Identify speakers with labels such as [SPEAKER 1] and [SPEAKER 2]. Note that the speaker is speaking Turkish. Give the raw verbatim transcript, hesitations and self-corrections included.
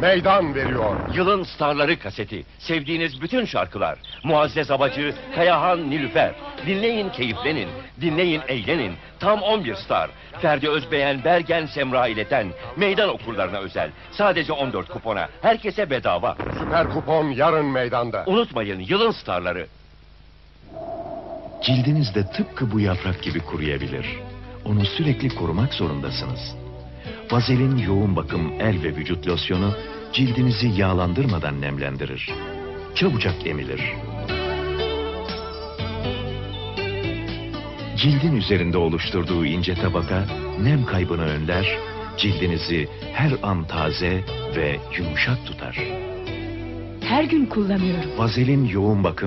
[SPEAKER 1] meydan veriyor.
[SPEAKER 2] Yılın Starları kaseti. Sevdiğiniz bütün şarkılar. Muazzez Abacı, Kayahan Nilüfer. Dinleyin, keyiflenin. Dinleyin, eğlenin. Tam on bir star. Ferdi Özbeğen, Bergen, Semra İleten. Meydan okurlarına özel. Sadece on dört kupona. Herkese bedava.
[SPEAKER 1] Süper kupon yarın meydanda.
[SPEAKER 2] Unutmayın, yılın starları.
[SPEAKER 3] Cildiniz de tıpkı bu yaprak gibi kuruyabilir. Onu sürekli korumak zorundasınız. Vazelin yoğun bakım el ve vücut losyonu cildinizi yağlandırmadan nemlendirir. Çabucak emilir. Cildin üzerinde oluşturduğu ince tabaka nem kaybını önler, cildinizi her an taze ve yumuşak tutar.
[SPEAKER 4] Her gün kullanıyorum.
[SPEAKER 3] Vazelin yoğun bakım